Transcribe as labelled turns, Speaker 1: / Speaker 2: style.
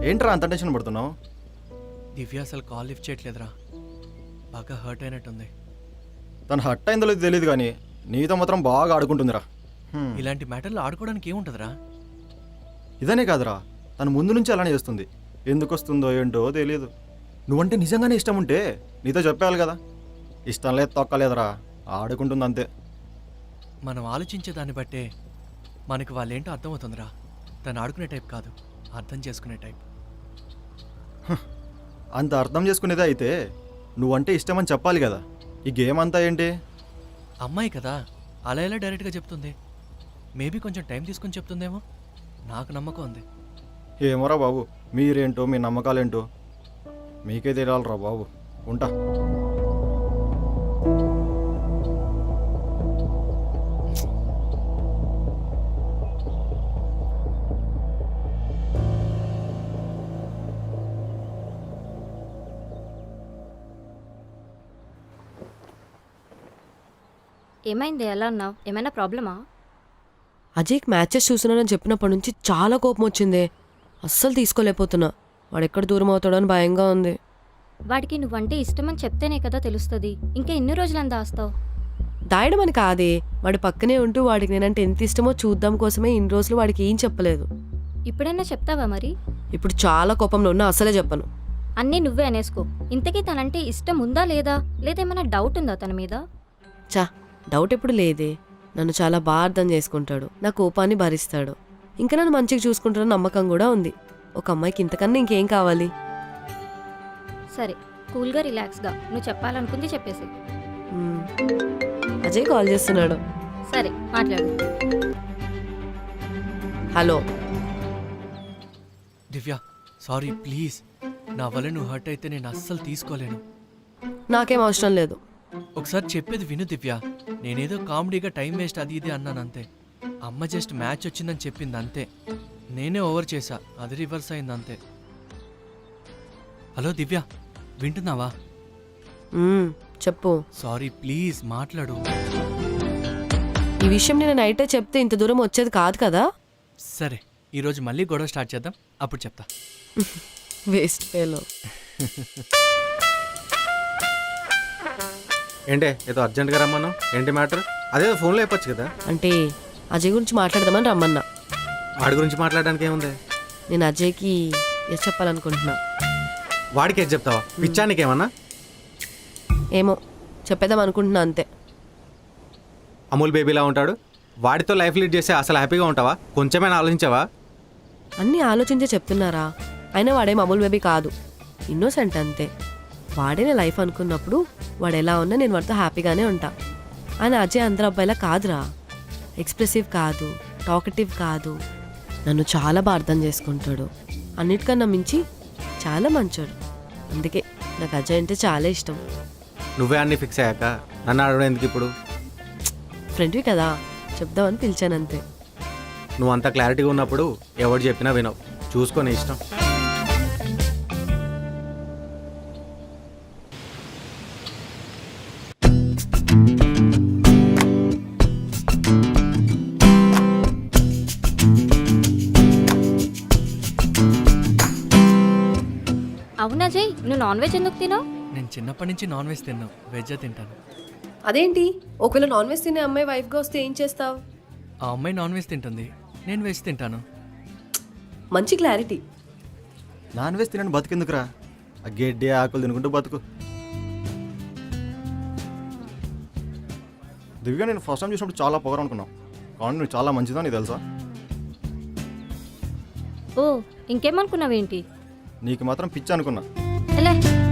Speaker 1: ఏంట్రా అంత టెన్షన్ పడుతున్నావు?
Speaker 2: దివ్య అసలు కాల్ లిఫ్ట్ చేయట్లేదురా, బాగా హర్ట్ అయినట్టుంది.
Speaker 1: తను హట్ అయిందో లేదో తెలియదు కానీ నీతో మాత్రం బాగా ఆడుకుంటుందిరా.
Speaker 2: ఇలాంటి మ్యాటర్లు ఆడుకోవడానికి ఏముంటుందిరా?
Speaker 1: ఇదనే కాదురా, తను ముందు నుంచి అలానే చేస్తుంది. ఎందుకు వస్తుందో ఏంటో తెలియదు. నువ్వంటే నిజంగానే ఇష్టం ఉంటే నీతో చెప్పాలి కదా. ఇష్టం లేదు తొక్కలేదురా, ఆడుకుంటుంది అంతే.
Speaker 2: మనం ఆలోచించే దాన్ని బట్టే మనకు వాళ్ళేంటో అర్థమవుతుందిరా. తను ఆడుకునే టైప్ కాదు, అర్థం చేసుకునే టైప్.
Speaker 1: అంత అర్థం చేసుకునేదే అయితే నువ్వంటే ఇష్టమని చెప్పాలి కదా. ఈ గేమ్ అంతా ఏంటి?
Speaker 2: అమ్మాయి కదా, అలా ఎలా డైరెక్ట్గా చెప్తుంది? మేబీ కొంచెం టైం తీసుకొని చెప్తుందేమో, నాకు నమ్మకం ఉంది.
Speaker 1: ఏమోరా బాబు, మీరేంటో మీ నమ్మకాలేంటో మీకే తెలియాలరా బాబు. ఉంటా.
Speaker 3: ఏమైంది, ఎలా ఉన్నావు? ఏమైనా ప్రాబ్లమా?
Speaker 4: అజయ్కి మ్యాచెస్ చూస్తున్నానని చెప్పినప్పటి నుంచి చాలా కోపం వచ్చిందే. అస్సలు తీసుకోలేకపోతున్నా. వాడు ఎక్కడ దూరం అవుతాడో అని భయంగా ఉంది.
Speaker 3: వాడికి నువ్వంటే ఇష్టమని చెప్తేనే కదా తెలుస్తుంది. ఇంకా ఎన్ని రోజులని దాస్తావు?
Speaker 4: దాయడం అని కాదే, వాడి పక్కనే ఉంటూ వాడికి నేనంటే ఎంత ఇష్టమో చూద్దాం కోసమే ఇన్ని రోజులు వాడికి ఏం చెప్పలేదు.
Speaker 3: ఇప్పుడైనా చెప్తావా మరి?
Speaker 4: ఇప్పుడు చాలా కోపంలో ఉన్నా, అసలే చెప్పను.
Speaker 3: అన్నీ నువ్వే అనేసుకో. ఇంతకీ తనంటే ఇష్టం ఉందా లేదా, లేదేమైనా డౌట్ ఉందా తన మీద?
Speaker 4: చా, డౌట్ ఎప్పుడు లేదే. నన్ను చాలా బాగా అర్థం చేసుకుంటాడు, నా కోపాన్ని భరిస్తాడు, ఇంకా నన్ను మంచిగా చూసుకుంటాడని నమ్మకం కూడా ఉంది. ఒక అమ్మాయికి ఇంతకన్నా ఇంకేం కావాలి?
Speaker 3: సరే, కూల్గా రిలాక్స్గా నువ్వు చెప్పాలనుకుంది చెప్పేసి.
Speaker 4: అజయ్ కాల్ చేస్తున్నాడు.
Speaker 3: సరే, మాట్లాడు.
Speaker 4: Hello
Speaker 2: Divya, sorry please. నా వల్ల నువ్వు హర్ట్ అయితే నేను అస్సలు తీసుకోలేను.
Speaker 4: నాకేం అవసరం లేదు.
Speaker 2: ఒకసారి చెప్పేది విను దివ్య. నేనేదో కామెడీగా టైం వేస్ట్ అది ఇది అన్నాను అంతే. అమ్మ జస్ట్ మ్యాచ్ వచ్చిందని చెప్పింది అంతే. నేనే ఓవర్ చేశా, అది రివర్స్ అయింది అంతే. హలో దివ్య, వింటున్నావా?
Speaker 4: చెప్పు.
Speaker 2: సారీ ప్లీజ్ మాట్లాడు.
Speaker 4: ఈ విషయం నేను నైటే చెప్తే ఇంత దూరం వచ్చేది కాదు కదా.
Speaker 2: సరే, ఈరోజు మళ్ళీ గొడవ స్టార్ట్ చేద్దాం, అప్పుడు చెప్తా.
Speaker 4: Waste fellow.
Speaker 5: ఏంటే ఏదో అర్జెంట్గా రమ్మన్నావు, ఏంటి మ్యాటర్? అదేదో ఫోన్లో చెప్పొచ్చు కదా.
Speaker 4: అంటే అజయ్ గురించి మాట్లాడదామని రమ్మన్నా.
Speaker 5: వాడి గురించి మాట్లాడడానికి ఏముంది?
Speaker 4: నేను అజయ్కి ఎస్ చెప్పాలనుకుంటున్నా.
Speaker 5: వాడికి ఏది చెప్తావా? పిచ్చానికి ఏమన్నా?
Speaker 4: ఏమో చెప్పేద్దాం అనుకుంటున్నా అంతే.
Speaker 5: అమూల్ బేబీలా ఉంటాడు, వాడితో లైఫ్ లీడ్ చేస్తే అసలు హ్యాపీగా ఉంటావా? కొంచెమైనా ఆలోచించావా?
Speaker 4: అన్నీ ఆలోచించే చెప్తున్నారా? అయినా వాడేం అమూల్ బేబీ కాదు, ఇన్నోసెంట్ అంతే. వాడే నా లైఫ్ అనుకున్నప్పుడు వాడు ఎలా ఉన్నా నేను వాడితో హ్యాపీగానే ఉంటా. ఆయన అజయ్ అందరు అబ్బాయిలా కాదురా. ఎక్స్ప్రెసివ్ కాదు, టాకటివ్ కాదు, నన్ను చాలా బాగా అర్థం చేసుకుంటాడు. అన్నిటికన్నా మించి చాలా మంచోడు. అందుకే నాకు అజయ్ అంటే చాలా ఇష్టం.
Speaker 5: నువ్వే అన్నీ ఫిక్స్ అయ్యాక నన్ను అడగడం ఎందుకు ఇప్పుడు?
Speaker 4: ఫ్రెండ్వి కదా, చెప్దామని పిలిచానంతే.
Speaker 5: నువ్వు అంత క్లారిటీగా ఉన్నప్పుడు ఎవరు చెప్పినా వినవు, చూసుకొని ఇష్టం.
Speaker 3: అవునా అజయ్, నువ్వు నాన్ వెజ్ ఎందుకు తినావు?
Speaker 2: నేను చిన్నప్పటి నుంచి నాన్ వెజ్ తిన్నాను, వెజ్ తింటాను.
Speaker 4: అదేంటి, ఒకవేళ నాన్ వెజ్ తినే అమ్మాయి వైఫ్గా వస్తే ఏం చేస్తావు?
Speaker 2: ఆ అమ్మాయి నాన్ వెజ్ తింటుంది, నేను వెజ్ తింటాను.
Speaker 4: మంచి క్లారిటీ.
Speaker 1: నాన్ వెజ్ తినని బతుకెందుకురా? ఆ గడ్డి ఆకులు తినుకుంటూ బతుకు. దివ్య, నేను ఫస్ట్ టైం చూసినప్పుడు చాలా పొగరు అనుకున్నావు, కానీ నువ్వు చాలా మంచిదని తెలుసా?
Speaker 3: ఓ, ఇంకేమనుకున్నావేంటి?
Speaker 1: నీకు మాత్రం పిచ్చి అనుకున్నా.
Speaker 3: ఎలా